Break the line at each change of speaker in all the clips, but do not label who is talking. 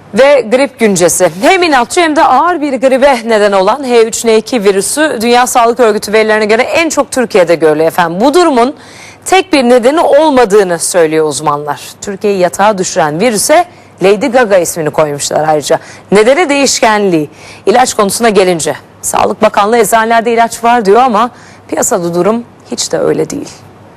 Ve grip güncesi. Hem inatçı hem de ağır bir gribe neden olan H3N2 virüsü Dünya Sağlık Örgütü verilerine göre en çok Türkiye'de görülüyor efendim. Bu durumun tek bir nedeni olmadığını söylüyor uzmanlar. Türkiye'yi yatağa düşüren virüse Lady Gaga ismini koymuşlar ayrıca. Nedeni değişkenliği. İlaç konusuna gelince Sağlık Bakanlığı eczanelerde ilaç var diyor ama piyasada durum hiç de öyle değil.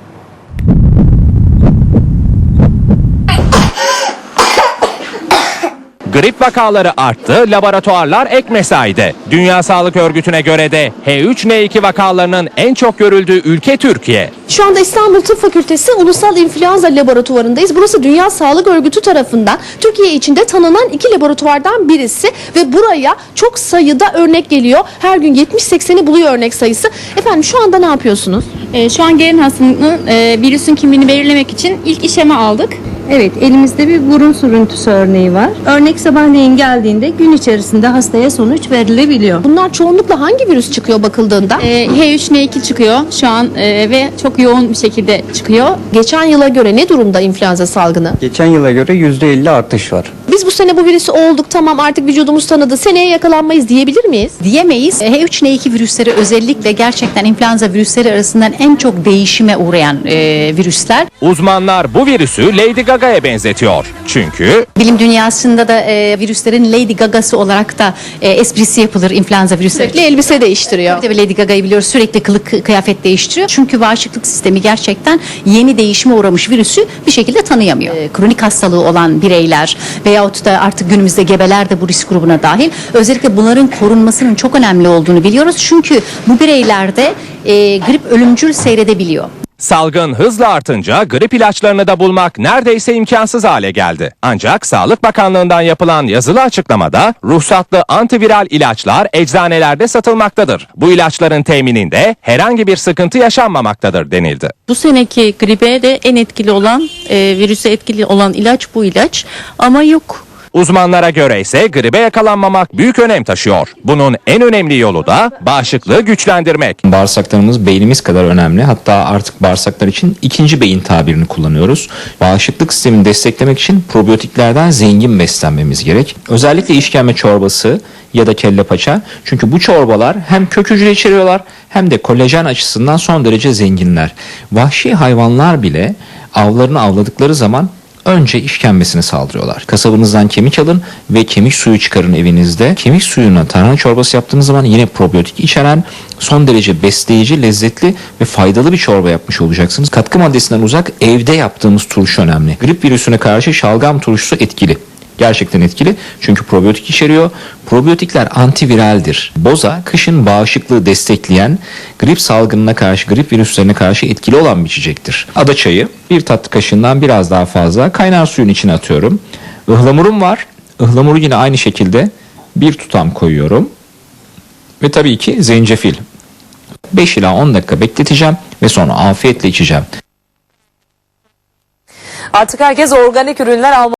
Grip vakaları arttı, laboratuvarlar ek mesaide. Dünya Sağlık Örgütü'ne göre de H3N2 vakalarının en çok görüldüğü ülke Türkiye.
Şu anda İstanbul Tıp Fakültesi Ulusal İnfluenza Laboratuvarı'ndayız. Burası Dünya Sağlık Örgütü tarafından Türkiye içinde tanınan 2 laboratuvardan birisi ve buraya çok sayıda örnek geliyor. Her gün 70-80'i buluyor örnek sayısı. Efendim şu anda ne yapıyorsunuz?
Şu an gelen hastanın virüsün kimliğini belirlemek için ilk işlemi aldık.
Evet, elimizde bir burun sürüntüsü örneği var. Örnek sabahleyin geldiğinde gün içerisinde hastaya sonuç verilebiliyor.
Bunlar çoğunlukla hangi virüs çıkıyor bakıldığında?
H3N2 çıkıyor şu an ve çok yoğun bir şekilde çıkıyor.
Geçen yıla göre ne durumda influenza salgını?
Geçen yıla göre %50 artış var.
Biz bu sene bu virüsü olduk, tamam artık vücudumuz tanıdı, seneye yakalanmayız diyebilir miyiz?
Diyemeyiz. H3N2 virüsleri özellikle gerçekten influenza virüsleri arasından en çok değişime uğrayan virüsler.
Uzmanlar bu virüsü Lady Gaga'ya benzetiyor. Çünkü
Bilim dünyasında da virüslerin Lady Gaga'sı olarak da esprisi yapılır influenza virüsleri.
Sürekli elbise değiştiriyor.
Tabii Lady Gaga'yı biliyoruz, sürekli kılık kıyafet değiştiriyor. Çünkü bağışıklık sistemi gerçekten yeni değişime uğramış virüsü bir şekilde tanıyamıyor. Kronik hastalığı olan bireyler veyahut da artık günümüzde gebeler de bu risk grubuna dahil. Özellikle bunların korunmasının çok önemli olduğunu biliyoruz. Çünkü bu bireylerde grip ölümcül seyredebiliyor.
salgın hızla artınca grip ilaçlarını da bulmak neredeyse imkansız hale geldi. Ancak Sağlık Bakanlığı'ndan yapılan yazılı açıklamada ruhsatlı antiviral ilaçlar eczanelerde satılmaktadır. Bu ilaçların temininde herhangi bir sıkıntı yaşanmamaktadır denildi.
Bu seneki gribe de en etkili olan, virüse etkili olan ilaç bu ilaç ama yok.
Uzmanlara göre ise gribe yakalanmamak büyük önem taşıyor. Bunun en önemli yolu da bağışıklığı güçlendirmek.
Bağırsaklarımız beynimiz kadar önemli. Hatta artık bağırsaklar için ikinci beyin tabirini kullanıyoruz. Bağışıklık sistemini desteklemek için probiyotiklerden zengin beslenmemiz gerek. Özellikle işkembe çorbası ya da kelle paça. Çünkü bu çorbalar hem kök hücre içeriyorlar hem de kolajen açısından son derece zenginler. Vahşi hayvanlar bile avlarını avladıkları zaman önce işkembesini saldırıyorlar. Kasabınızdan kemik alın ve kemik suyu çıkarın evinizde. Kemik suyuna tarhana çorbası yaptığınız zaman yine probiyotik içeren son derece besleyici, lezzetli ve faydalı bir çorba yapmış olacaksınız. Katkı maddesinden uzak evde yaptığımız turşu önemli. Grip virüsüne karşı şalgam turşusu etkili. Gerçekten etkili çünkü probiyotik içeriyor. Probiyotikler antiviraldir. Boza, kışın bağışıklığı destekleyen, grip salgınına karşı, grip virüslerine karşı etkili olan bir içecektir. Ada çayı, bir tatlı kaşığından biraz daha fazla kaynar suyun içine atıyorum. Ihlamurum var. Ihlamuru yine aynı şekilde bir tutam koyuyorum. Ve tabii ki zencefil. 5 ila 10 dakika bekleteceğim ve sonra afiyetle içeceğim.
Artık herkes organik ürünler almalı.